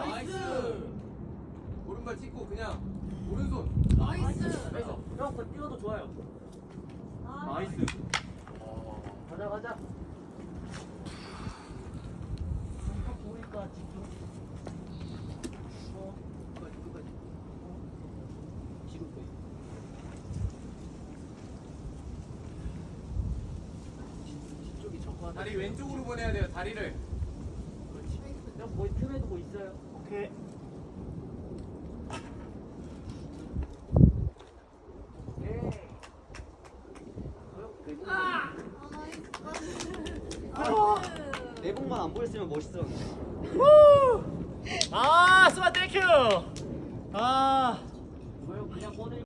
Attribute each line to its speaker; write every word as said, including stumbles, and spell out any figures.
Speaker 1: 나이스. 오른발 찍고 그냥 오른손.
Speaker 2: 나이스.
Speaker 1: 나이스.
Speaker 3: 형, 그 뛰어도 좋아요. 나이스. 가자, 가자. 형 보니까 집중. 어,
Speaker 1: 끝까지 끝까지.
Speaker 3: 지금 거의. 뒤쪽이 적화.
Speaker 1: 다리 왼쪽으로 보내야 돼요. 다리를.
Speaker 3: 그렇지. 형 거의 틈에 두고 있어요. 오케이.
Speaker 2: 아, 나이스.
Speaker 3: 내복만 안 보였으면 멋있었는데.
Speaker 4: 아, 수아 땡큐. 아.
Speaker 3: 이거 그냥 꺼내.